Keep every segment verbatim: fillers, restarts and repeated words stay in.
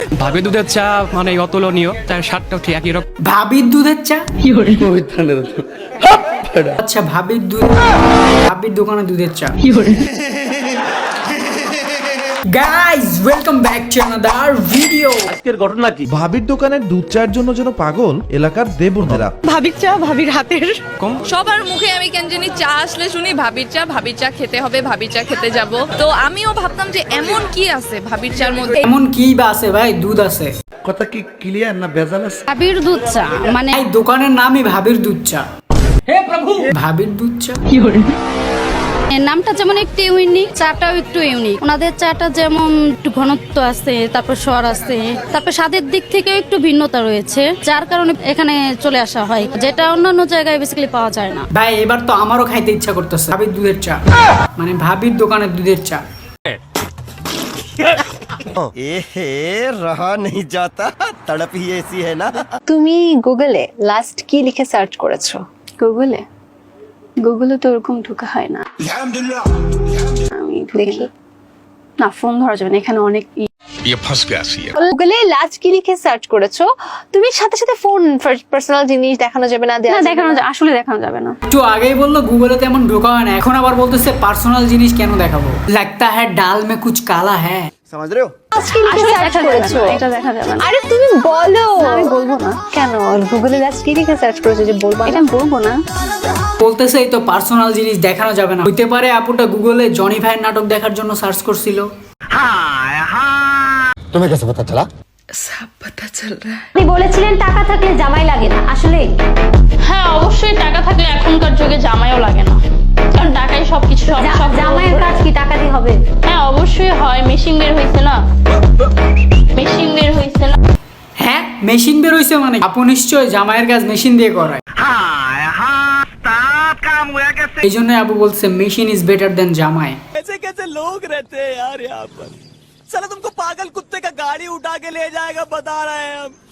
ভাবে দুধের চা মানে অতুলনীয়, তার স্বাদটাও ঠিক একই রকম। ভাবির দুধের চা আচ্ছা, ভাবির দুধ, ভাবির দোকানে দুধের চা। Guys welcome back to another video. আজকের ঘটনা কি? ভাবির দোকানের দুধ চায়ের জন্য যেন পাগল এলাকার দেবনেরা। ভাবির চা ভাবির হাতের। সবার মুখে আমি কেন জানি চা আসলে শুনি ভাবির চা, ভাবির চা খেতে হবে, ভাবির চা খেতে যাব। তো আমিও ভাবতাম যে এমন কি আছে ভাবির চার মধ্যে। এমন কি বা আছে ভাই? দুধ আছে। কথা কি ক্লিয়ার না ভেজাল আছে? ভাবির দুধ চা মানে এই দোকানের নামই ভাবির দুধ চা। হে প্রভু, ভাবির দুধ চা। নামটা যেমন একটু ইউনিক, চাটাও একটু ইউনিক। ওনাদের চাটা যেমন একটু ঘনত্ব আছে, তারপর স্বর আছে, তারপর স্বাদের দিক থেকেও একটু ভিন্নতা রয়েছে, যার কারণে এখানে চলে আসা হয়, যেটা অন্যান্য জায়গায় বেসিক্যালি পাওয়া যায় না। ভাই এবার তো আমারও খাইতে ইচ্ছা করতেছে ভাবির দুধের চা, মানে ভাবির দোকানের দুধের চা। এহে রহা নেই যাতা, তড়প হি ऐसी है ना। তুমি গুগলে লাস্ট কি লিখে সার্চ করেছো? গুগলে গুগলে তো ওরকম ঢোকা হয় না। আমি দেখি না, ফোন ধরা যাবে না, এখানে অনেক গুগলে লাস্ট কি লিখে সার্চ করেছো, তুমি সাথে সাথে ফোন পার্সোনাল জিনিস দেখানো যাবে না। দেখানো আসলে দেখানো যাবে না। একটু আগেই বললো গুগলে তেমন ঢোকা হয় না, এখন আবার বলতেছে পার্সোনাল জিনিস কেন দেখাবো। লাগতা হ্যাঁ ডাল মে কুছ কালা হ্যাঁ। समझ रहे हो? এটা দেখা যাবে না। আরে তুমি বলো। আমি বলবো না। কেন? গুগলে লাস্ট কি লিখে সার্চ করেছো যে বলবো? এটা আমি বলবো না। বলতেছে এই তো পার্সোনাল জিনিস দেখানো যাবে না। হইতে পারে আপুটা গুগলে জনি ভাইয়ের নাটক দেখার জন্য সার্চ করছিল। तुम्हें कैसे पता चला? আপনি বলেছিলেন টাকা থাকলে জামাই লাগে না, আসলে? হ্যাঁ, অবশ্যই টাকা থাকলে এখনকার যুগে জামাইও লাগে না, কারণ টাকাই সবকিছু। জামাইয়ের কাজ কি টাকা দিয়ে হবে? হ্যাঁ অবশ্যই হয়, মেশিন বের হয়েছে না, মেশিন বের হয়েছে না। হ্যাঁ মেশিন বের হইছে মানে আপু নিশ্চয় জামাইয়ের কাজ মেশিন দিয়ে করায়। এই জন্য আপু বলছে মেশিন ইজ বেটার দেন জামাই। कैसे कैसे लोग रहते हैं यार यहाँ पर। साला तुमको पागल कुत्ते का गाड़ी उठा के ले जाएगा, बता रहे हैं हम।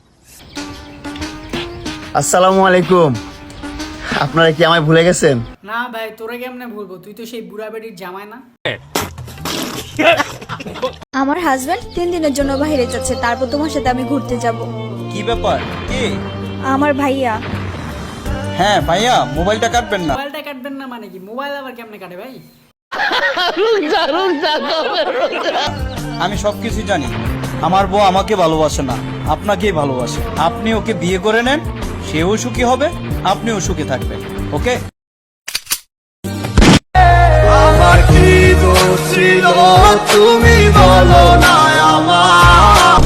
আসসালামু আলাইকুম। আপনারা কি আমায় ভুলে গেছেন? না ভাই তোরে কেমনে ভুলবো, তুই তো সেই বুড়া বেটির জামাই না। আমার হাজবেন্ড তিন দিনের জন্য বাইরে যাচ্ছে, তারপর তোমার সাথে আমি ঘুরতে যাব। কি ব্যাপার? কি? আমার ভাইয়া। হ্যাঁ ভাইয়া, মোবাইলটা কাটবেন না। মোবাইলটা কাটবেন না মানে কি? মোবাইল আবার কেমনে কাটে ভাই? আমি সবকিছু জানি। আমার বউ আমাকে ভালোবাসে না, আপনাকেই ভালোবাসে। আপনি ওকে বিয়ে করে নেন, সেও সুখী হবে, আপনিও সুখী থাকবেন। ওকে? আমার কি দোষ ছিল তুমি বলো না আমার।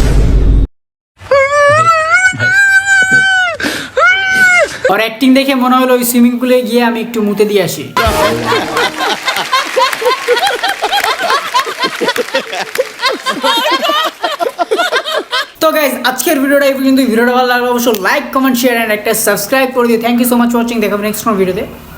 আর অ্যাক্টিং দেখে মনে হলো ওই সুইমিং পুলে গিয়ে আমি একটু মুতে দিয়ে আসি। তো গাইজ আজকের ভিডিওটা এই পর্যন্ত। ভিডিওটা ভালো লাগলে অবশ্যই লাইক কমেন্ট শেয়ার এন্ড একটা সাবস্ক্রাইব করে দিও। Thank you so much watching. দেখা হবে নেক্সট কোন ভিডিওতে।